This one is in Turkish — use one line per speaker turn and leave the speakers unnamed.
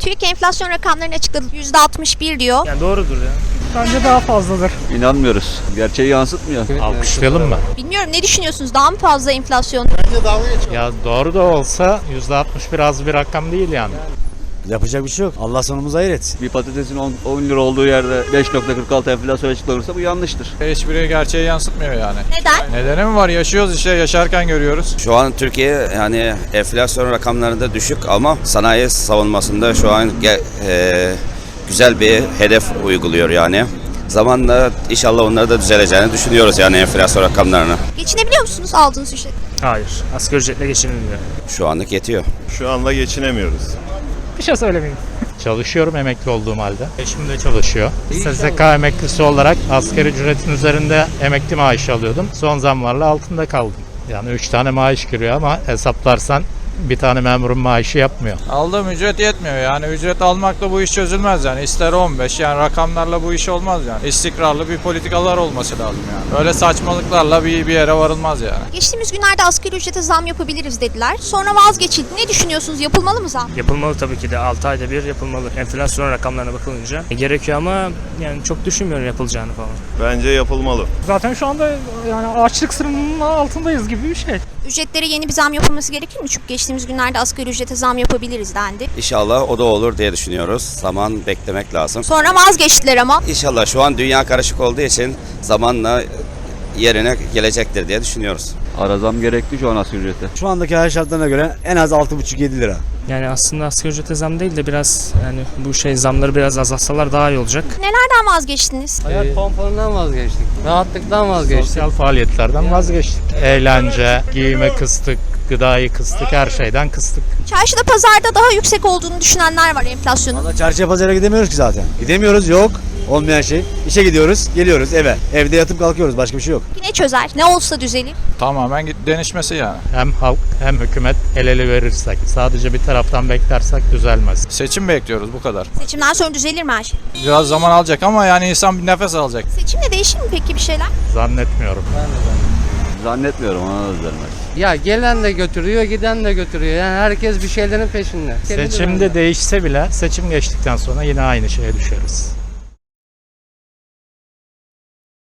TÜİK enflasyon rakamlarını açıkladı. %61 diyor.
Yani doğrudur ya. Bence daha fazladır.
İnanmıyoruz. Gerçeği yansıtmıyor.
Alkışlayalım mı?
Bilmiyorum, ne düşünüyorsunuz? Daha mı fazla enflasyon?
Ya doğru da olsa %61 az bir rakam değil yani.
Yapacak bir şey yok. Allah sonumuzu hayır etsin.
Bir patatesin 10 lira olduğu yerde 5.46 enflasyon açıklanırsa bu yanlıştır.
Hiçbiri gerçeği yansıtmıyor yani.
Neden?
Nedeni mi var? Yaşıyoruz işte, yaşarken görüyoruz.
Şu an Türkiye yani enflasyon rakamlarında düşük ama sanayi savunmasında şu an güzel bir hedef uyguluyor yani. Zamanla inşallah onları da düzeleceğini düşünüyoruz yani enflasyon rakamlarını.
Geçinebiliyor musunuz aldığınız ücret?
Hayır. Asgari ücretle geçinilmiyor.
Şu anlık yetiyor.
Şu anda geçinemiyoruz.
Bir şey söylemeyeyim.
Çalışıyorum emekli olduğum halde. Eşim de çalışıyor. SSK emeklisi olarak asgari ücretin üzerinde emekli maaşı alıyordum. Son zamlarla altında kaldım. Yani 3 tane maaş giriyor ama hesaplarsan bir tane memurun maaşı yapmıyor.
Aldığım ücret yetmiyor yani. Ücret almakla bu iş çözülmez yani. İster 15 yani, rakamlarla bu iş olmaz yani. İstikrarlı bir politikalar olması lazım yani. Öyle saçmalıklarla bir yere varılmaz yani.
Geçtiğimiz günlerde asgari ücrete zam yapabiliriz dediler. Sonra vazgeçildi. Ne düşünüyorsunuz? Yapılmalı mı zam?
Yapılmalı tabii ki de. 6 ayda bir yapılmalı. Enflasyon rakamlarına bakılınca gerekiyor ama yani çok düşünmüyorum yapılacağını falan.
Bence yapılmalı.
Zaten şu anda yani açlık sınırının altındayız gibi bir şey.
Ücretlere yeni bir zam yapılması gerekir mi? Çünkü geçtiğimiz günlerde asgari ücrete zam yapabiliriz dendi.
İnşallah o da olur diye düşünüyoruz. Zaman beklemek lazım.
Sonra vazgeçtiler ama.
İnşallah şu an dünya karışık olduğu için zamanla yerine gelecektir diye düşünüyoruz.
Ara zam gerekli şu an asgari ücrete.
Şu andaki hayat şartlarına göre en az 6,5-7 lira.
Yani aslında asgari ücrete zam değil de biraz yani bu zamları biraz azaltsalar daha iyi olacak.
Nelerden vazgeçtiniz?
Hayat konforundan vazgeçtik. Rahatlıktan vazgeçtik.
Sosyal faaliyetlerden vazgeçtik. Eğlence, giyime kıstık, gıdayı kıstık, her şeyden kıstık.
Çarşıda, pazarda daha yüksek olduğunu düşünenler var enflasyonun.
Valla çarşıya pazara gidemiyoruz ki zaten. Gidemiyoruz, yok. Olmayan şey. İşe gidiyoruz, geliyoruz eve. Evde yatıp kalkıyoruz, başka bir şey yok.
Ne çözer? Ne olsa düzelir?
Tamamen denişmesi yani.
Hem halk hem hükümet el ele verirsek, sadece bir taraftan beklersek düzelmez.
Seçim bekliyoruz, bu kadar.
Seçimden sonra düzelir mi her şey?
Biraz zaman alacak ama yani insan bir nefes alacak.
Seçimle değişir mi peki bir şeyler?
Zannetmiyorum.
Zannetmiyorum, ona da düzelmez.
Ya gelen de götürüyor, giden de götürüyor. Yani herkes bir şeylerin peşinde.
Seçimde değişse bile seçim geçtikten sonra yine aynı şeye düşeriz.